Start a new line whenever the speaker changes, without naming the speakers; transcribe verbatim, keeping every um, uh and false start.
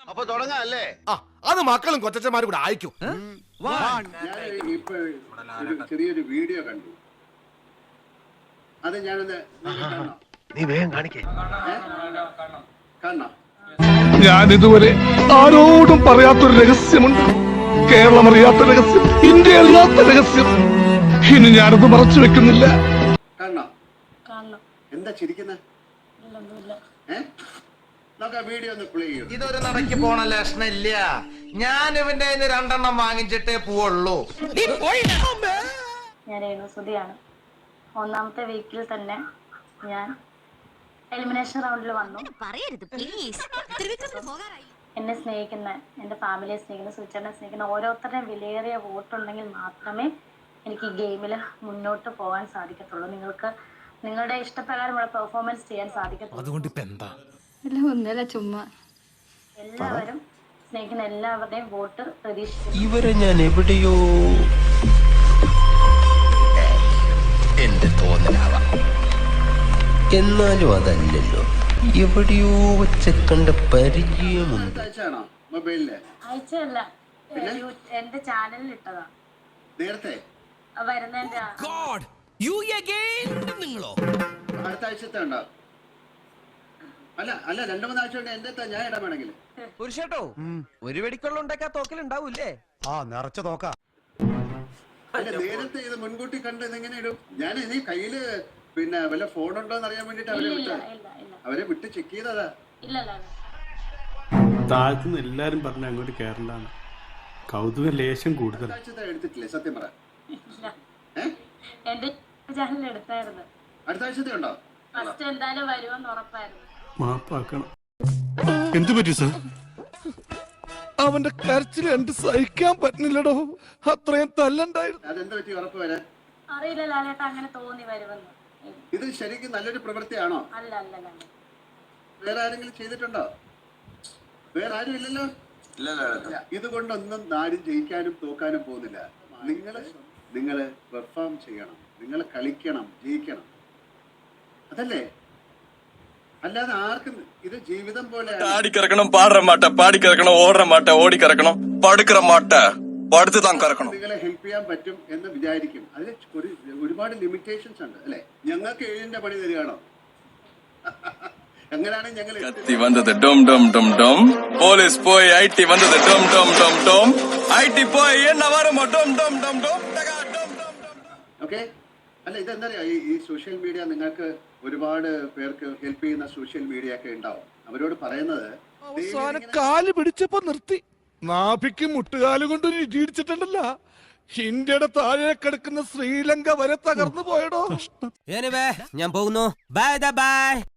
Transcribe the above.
അപ്പൊ തുടങ്ങാല്ലേ?
ആ അത് മക്കളും കൊച്ചന്മാരും കൂടെ അയക്കും.
ഞാൻ ഇപ്പൊ ചെറിയൊരു വീഡിയോ കണ്ടു. അത് ഞാനൊന്ന്
നീ വേഗം കാണിക്കേ.
കാണണം.
ഞാൻ ഇതുവരെ ആരോടും പറയാത്തൊരു രഹസ്യമുണ്ട്. കേരളം അറിയാത്ത രഹസ്യം, ഇന്ത്യ അറിയാത്ത രഹസ്യം. ഇനി ഞാനത് മറച്ചു വെക്കുന്നില്ല.
കാണണം. എന്താ ചിരിക്കുന്നത്? നമുക്ക് ആ വീഡിയോ ഒന്ന് പ്ലേ ചെയ്യും.
ഇതൊരു നടക്കി പോണ ലക്ഷണില്ല. ഞാൻ ഇവന്റെ രണ്ടെണ്ണം വാങ്ങിച്ചിട്ടേ പോവുള്ളൂ.
ഞാൻ രേണുസുതിയാണ്. ഒന്നാമത്തെ വീക്കിൽ തന്നെ ഞാൻ എലിമിനേഷൻ റൗണ്ടിൽ വന്നു. എന്നെ സ്നേഹിക്കുന്ന, എൻ്റെ ഫാമിലിയെ സ്നേഹിക്കുന്ന, സുചേട്ടനെ സ്നേഹിക്കുന്ന ഓരോരുത്തരുടെയും വിലയേറിയ വോട്ടുണ്ടെങ്കിൽ മാത്രമേ എനിക്ക് ഈ ഗെയിമിൽ മുന്നോട്ട് പോകാൻ സാധിക്കത്തുള്ളൂ. നിങ്ങൾക്ക് നിങ്ങളുടെ ഇഷ്ടപ്രകാരമുള്ള പെർഫോമൻസ് ചെയ്യാൻ സാധിക്കത്തുള്ളൂ.
അതുകൊണ്ട് ഇപ്പൊ എന്താ?
ഒന്നല്ല ചുമ്മാ എല്ലാവരും സ്നേഹിക്കുന്ന എല്ലാവരുടെയും വോട്ട് പ്രതീക്ഷിക്കുന്നു.
ഇവരെ ഞാൻ എവിടെയോ എന്റെ തോന്നലാവാം, എന്നാലും അതല്ലല്ലോ, എവിടെയോ വെച്ച് കണ്ട പരിചയമുണ്ട്.
അയച്ചാണോ മൊബൈലില്?
അയച്ചല്ല, എന്റെ ചാനലിൽ ഇട്ടതാ.
നേരത്തെ
വരുന്നതിന്റെ
അടുത്ത ആഴ്ചത്തെ ഉണ്ടോ? അല്ല അല്ല രണ്ടു മൂന്നാഴ്ച കൊണ്ട് എന്റെ ഞാൻ ഇടാൻ വേണമെങ്കിൽ
പുരുഷേട്ടോ, ഒരു വെടിക്കുള്ള ഉണ്ടാക്കാ തോക്കലുണ്ടാവൂല്ലേ?
ആ നിറച്ച തോക്ക.
അല്ല നേരത്തെ ഇത് മുൻകൂട്ടി കണ്ട് ഇതെങ്ങനെ ഇടും? ഞാൻ ഇനി കയ്യില് പിന്നെ വല്ല ഫോൺ ഉണ്ടോന്ന് അറിയാൻ വേണ്ടിട്ട് അവരെ വിട്ടത്. അവരെ വിട്ട് ചെക്ക് ചെയ്തതാ.
താഴ്ത്തുന്ന എല്ലാരും പറഞ്ഞ അങ്ങോട്ട് കേരളാണ്. കൗതുക ലേശം കൂടുതൽ.
എടുത്തിട്ടില്ലേ സത്യം പറ?
എന്റെ ചാനലിൽ എടുത്തായിരുന്നു.
അടുത്ത ആഴ്ചത്തെ ഉണ്ടോ?
ഫസ്റ്റ് എന്തായാലും വരുമെന്ന് ഉറപ്പായിരുന്നു.
മാപ്പാക്കണം.
എന്തു പറ്റി സാർ? അവന്റെ കരച്ചിൽ എന്ത് സഹിക്കാൻ പറ്റുന്നില്ലടോ. അത്രയും തല്ലണ്ടായിരുന്നു.
അതെന്ത് പറ്റി ഉറപ്പ് വരാൻ?
അറിയില്ല ലാലേട്ട, അങ്ങനെ തോന്നി വരുമെന്ന്.
ഇത് ശരിക്കും നല്ലൊരു പ്രവൃത്തിയാണോ?
അല്ല അല്ല അല്ല.
വേറെ ആരെങ്കിലും ചെയ്തിട്ടുണ്ടോ? വേറെ ആരും ഇല്ലല്ലോ. ഇതുകൊണ്ടൊന്നും ആരും ജയിക്കാനും തോക്കാനും പോകുന്നില്ല. നിങ്ങള് നിങ്ങള് പെർഫോം ചെയ്യണം, നിങ്ങൾ കളിക്കണം, ജയിക്കണം. അതല്ലേ? അല്ലാതെ ആർക്കും ഇത് ജീവിതം പോലെ
ആടിക്കിറക്കണം, പാടുற മാട്ട പാടിക്കിറക്കണം, ഓടുற മാട്ട ഓടിക്കിറക്കണം, പടുക്കിற മാട്ട പടുത്ത് താൻ കറക്കണം.
നിങ്ങളെ ഹെൽപ്പ് ചെയ്യാൻ പറ്റും എന്ന് വിചാരിക്കും. അതിൽ ഒരു ഒരുപാട് ലിമിറ്റേഷൻസ് ഉണ്ട് അല്ലെ? ഞങ്ങൾക്ക് ഏഴിന്റെ പണി തരികയാണോ? എങ്ങനെയാണ് ഞങ്ങൾ
കത്തി വന്നത് ഡോം ഡോം ഡോം ഡോം, പോലീസ് പോയി ഐ ടി വന്നത് ഡോം ഡോം ഡോം ഡോം, ഐ ടി പോയി എണ്ണ വരുമോ ഡോം ഡോം ഡോം ഡോം.
ഓക്കെ. അല്ല ഇതെന്താ പറയാ, ഈ സോഷ്യൽ മീഡിയ നിങ്ങൾക്ക് ഒരുപാട് പേർക്ക് ഹെൽപ്പ് ചെയ്യുന്ന സോഷ്യൽ മീഡിയ ഒക്കെ ഉണ്ടാവും. അവരോട് പറയുന്നത്
അവസാനം കാല് പിടിച്ചപ്പോ നിർത്തി. നാഭിക്ക് മുട്ടുകാല് കൊണ്ട് ഇടിച്ചിട്ടുണ്ടല്ല. ഇന്ത്യയുടെ താഴെ കിടക്കുന്ന ശ്രീലങ്ക വരെ തകർന്നു പോയടോ.
ഞാൻ പോകുന്നു. Bye by.